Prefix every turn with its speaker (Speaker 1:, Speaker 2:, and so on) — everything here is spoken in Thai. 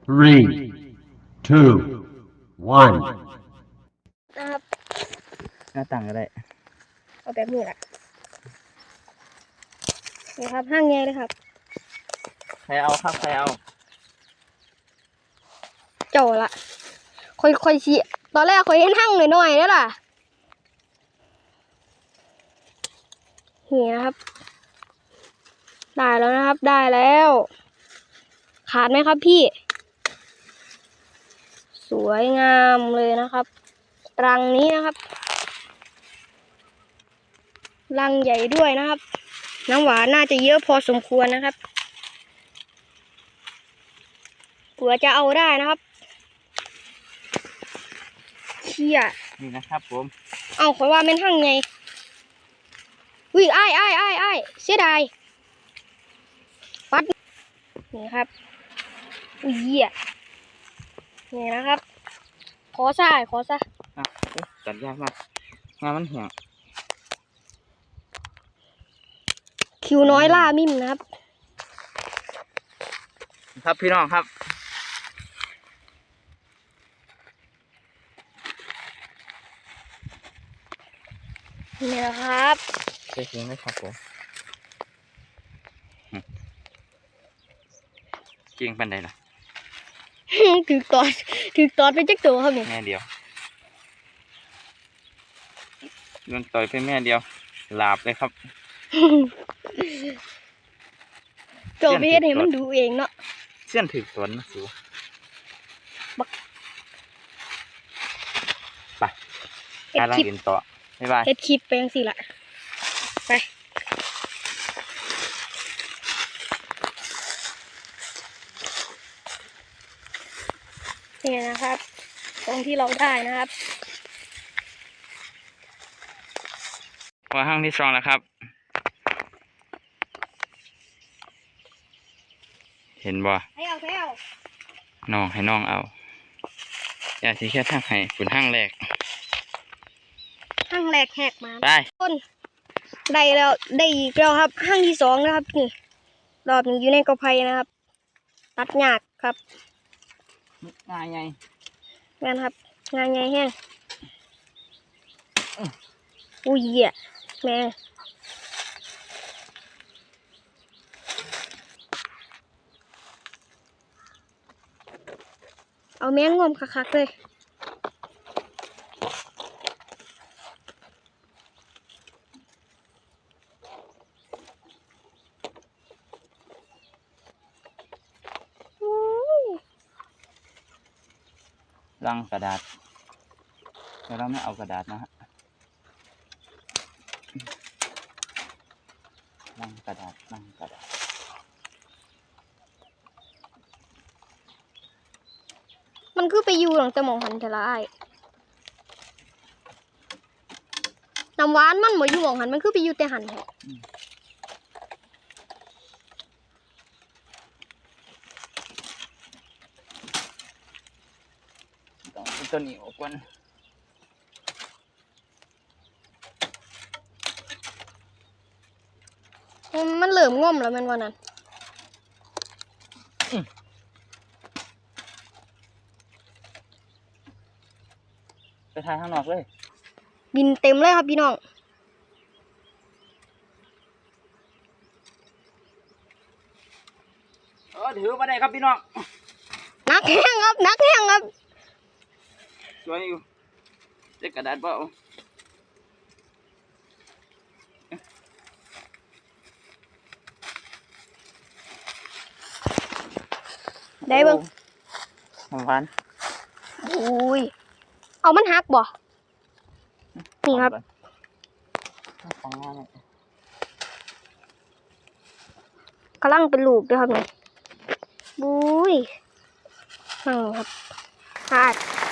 Speaker 1: 3, 2, 1.
Speaker 2: นะครับ
Speaker 3: หน้าต่างก็ได้
Speaker 2: เอาแบบนี้แหละนี่ครับห้างใหญ่เลยครับ
Speaker 3: ใครเอาครับใครเอา
Speaker 2: เจ้าละค่อยชี้ตอนแรกค่อยเห็นห้างหน่อยๆแล้วล่ะนี่นะครับได้แล้วนะครับได้แล้วขาดไหมครับพี่สวยงามเลยนะครับรังนี้นะครับรังใหญ่ด้วยนะครับน้ำหวานน่าจะเยอะพอสมควรนะครับเผื่อจะเอาได้นะครับเชี่ย
Speaker 3: นี่นะครับผม
Speaker 2: เอาขอว่าเป็นห้างไงอ้ายเสียดายปัดนี่ครับอุ้ยเหี้ยนี่นะครับขอซะ
Speaker 3: อ่ะตัดยากมากงานมันเหี่ยว
Speaker 2: คิวน้อยล่ามิ่มนะครับ
Speaker 3: ครับพี่น้องครับ
Speaker 2: นี่แหละครับ
Speaker 3: เจ๊งเลยครับผมเก่งปันใดล่ะ
Speaker 2: ถือตอดไปจักตัวครับนี่
Speaker 3: แม่เดียวโดนต่อยไปแม่เดียวหลาบเลยครับ
Speaker 2: ตัวไปเฮ็ดให้มันดูเองเนาะ
Speaker 3: เสี้ยนถือตนนะสูไป
Speaker 2: เฮ็ด
Speaker 3: การล่า
Speaker 2: คลิป
Speaker 3: งอินต่อบ๊ายบาย
Speaker 2: เฮ็ดคลิปไปจังซี่ล่ะไปนี่นะครับตรงที่เราได้นะครับ
Speaker 3: ว่าห้างที่สองแล้วครับ เห็นบ่
Speaker 2: ให้เอา
Speaker 3: น้องให้น้องเอาอย่าสิแค่ทางให้ฝุ่นห้างแรก
Speaker 2: ห้างแรกแหกมา
Speaker 3: ไป
Speaker 2: ต้นได้แล้วได้อีกแล้วครับห้างที่สองนะครับนี่รอบนี้อยู่ในกอไผ่นะครับ ตัดหยากครับ
Speaker 3: ง่ายไง
Speaker 2: งานครับงานใหญ่แห้งอุ้ยเหี้ยแม่เอาแมงงอมคักๆเลยอุ้ย
Speaker 3: ลังกระดาษแต่เราไม่เอากระดาษนะฮะลังกระดาษ
Speaker 2: มันคือไปอยู่หลังแต่หมองหันเทละอ้ายน้ำหวานมันบ่อยู่หมองหันมันคือไปอยู่แต่หันแท้
Speaker 3: ต้องเอาตัวนี้ออกก่อน
Speaker 2: มันเหลื่อมง่อมแล้วแมันวันนั้น
Speaker 3: ไปทายข้างนอกเลย
Speaker 2: บินเต็มเลยครับพี่น้อง
Speaker 3: ถือมาได้ครับพี่น้อง
Speaker 2: นักแห้งครับ
Speaker 3: สวยอยู่เจ๊กระดาษเปล่า
Speaker 2: ได้เบิ่ง
Speaker 3: หวาน
Speaker 2: อุ้ยเอามันหักบ่นี่ครับ
Speaker 3: ของงานเนี่ย
Speaker 2: กำลังเป็นลูกด้วยครับนี่บุ้ยนั่งครับหาด